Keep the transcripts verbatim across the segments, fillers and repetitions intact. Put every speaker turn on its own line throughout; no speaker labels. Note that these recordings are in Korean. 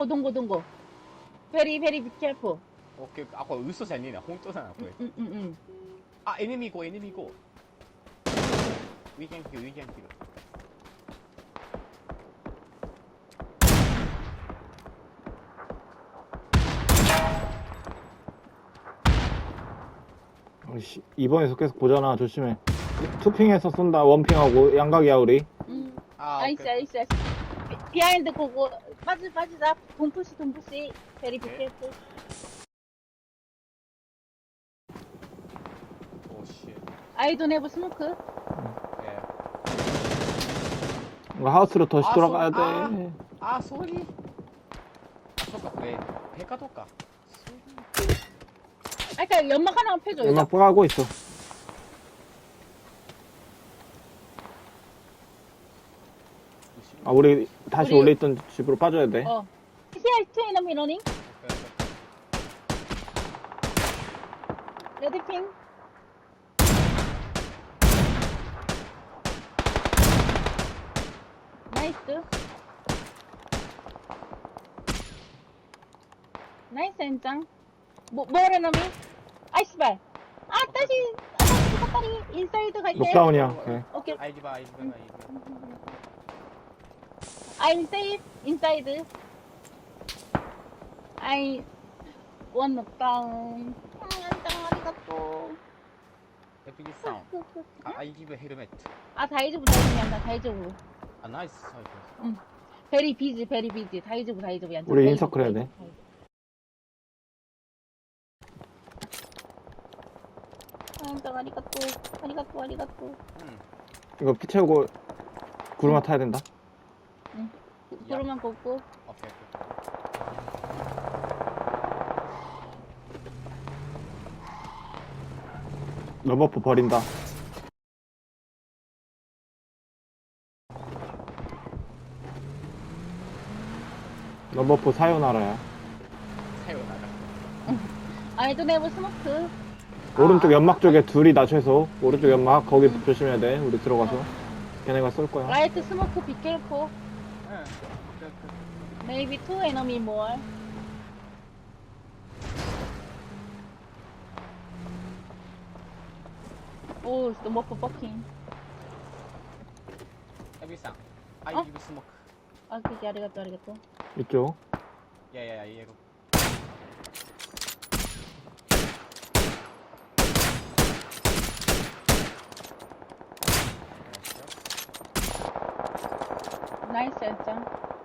동고 동고 very very be careful.
オッケー。あ、これ嘘じゃねえな。本当だな、これ。
うんうんうん。
あ、エネミーゴー、エネミーゴー。We can kill, we can kill.
씨, 이번에서 계속 보잖아. 조심해. 투핑에서 쏜다. 원핑하고 양각이야 우리.
음.
아,
나이스
오케이.
나이스 나이스. 비하인드 고고 빠지 빠지자. 동푸시 동푸시. very be
오케이.
careful.
오, 씨.
I don't have smoke.
예.
뭔가 하우스로 다시
아,
돌아가야
소- 아.
돼.
아, 소리. 아, そっか、これ、ペカとか。
아, 그러니까 연막 하나만 펴줘.
연막 빠가고 있어. 아 우리 다시
우리-
원래 있던 집으로 빠져야 돼.
어. Here two enemy running. 레드 핑. 나이스. 나이스 엔장. 뭐 뭐래 놈이? 아이스발. 아 다시 아, 다시 헛다리 인사이드 갈게.
록다운이야. 오케이.
오케이.
아이디바, 아이디바, 아이디바.
I'm safe inside. I one knockdown. 아, 안녕, 아리가또.
에피기 사운드. 아, 아이디브 헬멧.
아, 다이즈부 다이즈부 얀다, 다이즈부.
아, 나이스 사이트.
응. 베리 비지, 베리 비지. 다이즈부 다이즈부 얀다.
우리
다이즈부,
인서클 해야 돼.
다이즈부, 다이즈부. 아, 안녕, 아리가또. 아리가또, 아리가또.
응.
이거 피 채우고 구르마 타야 된다.
구름만 걷고.
오케이, 오케이.
러버프 버린다. 러버프 사요나라야.
사요나라.
I don't have smoke.
오른쪽 연막 쪽에 둘이 나 최소. 오른쪽 연막 거기 조심해야 돼. 우리 들어가서 걔네가 쏠 거야.
Right smoke, be careful.
응. 오케이, 오케이.
Maybe two enemy more. 오, 너무 버킹.
에비상. 아이디브 스모크.
아, 그게 아리가또, 아리가또.
이쪽.
야야야, 얘가.
나이스, 엔장.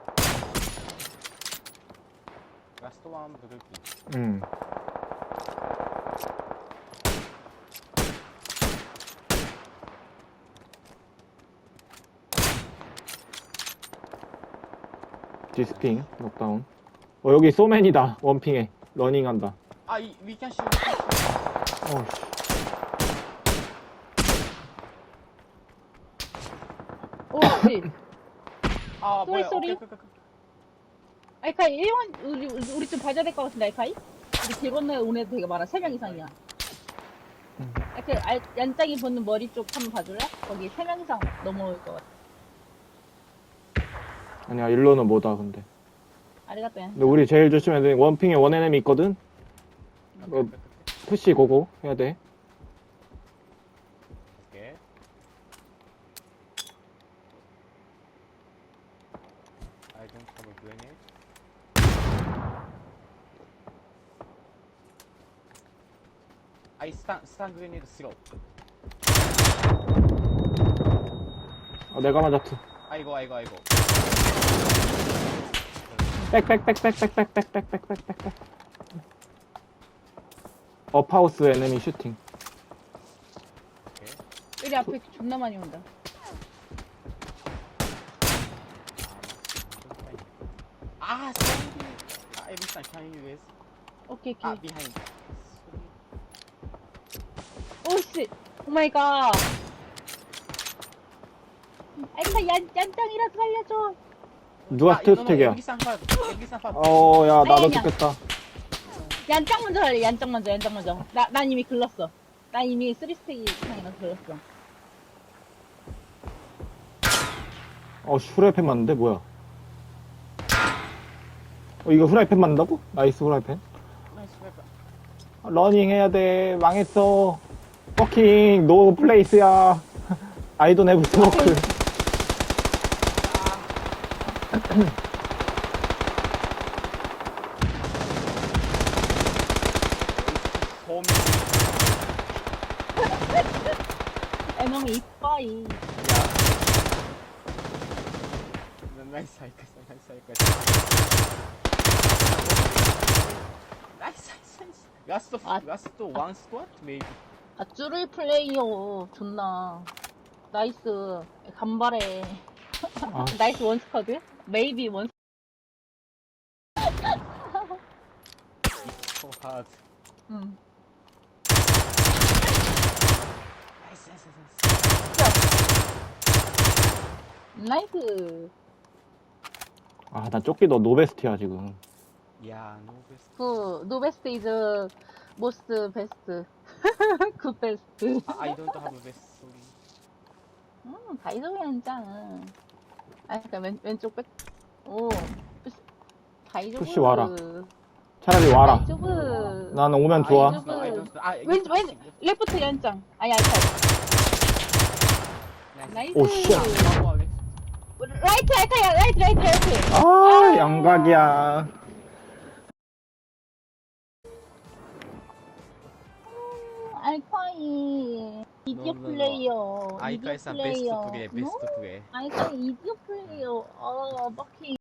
라스트 원 부들기.
응. 디스핑 넉다운. 어 여기 소맨이다. 원핑에 러닝한다.
아, 이 위켄 슈.
어우씨.
오, 씨.
아,
쏘리,
뭐야?
쏘리.
오케이, 오케이, 오케이.
아이카이, 일본, 우리, 우리 좀 봐줘야 될 것 같은데, 아이카이? 우리 길 건너에 온 애들 되게 많아. 세 명 이상이야.
음.
아이카이, 알, 얀짱이 보는 머리 쪽 한번 봐줄래? 거기 세 명 이상 넘어올 것 같아.
아니야 일로는 뭐다 근데.
아리가또, 얀.
근데 우리 제일 조심해야 돼. 원핑에 원에nem이 있거든. 어, 푸시 고고 해야 돼.
오케이. I don't have a grenade. I stun, stun grenade throw.
어, 내가 맞았어.
아이고, 아이고, 아이고.
백백백백백백백백백백백백. 업하우스 에네미 슈팅.
오케이.
우리 앞에 존나 많이 온다.
아, sorry. 아, 에비상, can you guys?
오케이,
아,
오케이.
behind.
오씨! 오마이갓! 아이카, 얀, 얀짱이라도 살려줘!
누가 스테이스택이야?
에비상 파, 에비상 파.
어, 야, 나도
아니, 아니야.
죽겠다.
얀짱 먼저 할래, 얀짱 먼저, 얀짱 먼저. 나, 난 이미 글렀어. 난 이미 쓰리 스택 이상이라서 글렀어.
어, 슈레펜 맞는데? 뭐야? 어, 이거 후라이팬 만든다고? 나이스 후라이팬.
나이스 웨폰.
러닝 해야 돼. 망했어. 버킹 노 플레이스야. 아이돈 해브 스모크.
홈.
에너미 이빠이.
야. 나이스 하이크스, 나이스 하이크스. 나이스, 나이스, 나이스. 라스트,
아.
라스트 원 스쿼트, maybe.
아, 쭈르이 플레이어. 존나. 나이스. 간발해.
아,
나이스 원스쿼드? 메이비 원.
So hard.
응.
나이스, 나이스, 나이스.
나이스.
아, 나 쫓기 너 노베스트야 지금.
야, no best.
그 노베스트 이즈 모스트 베스트. 굿 베스트.
I don't have best, sorry.
음, 다이소리 한 장. 아, 그니까 왼, 왼쪽 백. 오. 다이조브.
푸시 와라. 차라리 와라.
다이조브.
나는 오면 좋아.
아이고.
No, I don't. 아,
왼, 왼, 레프트 연장. 아니, 아니, 나이스.
오, 씨.
라이트, 알카야, 라이트, 라이트, 라이트.
아, 양각이야.
알카이. 이디오
No, no, no.
플레이어.
아이카이산
이디오
베스트
플레이어.
플레이, 베스트 플레이.
알카이 이디오 플레이어. 어, 버킹.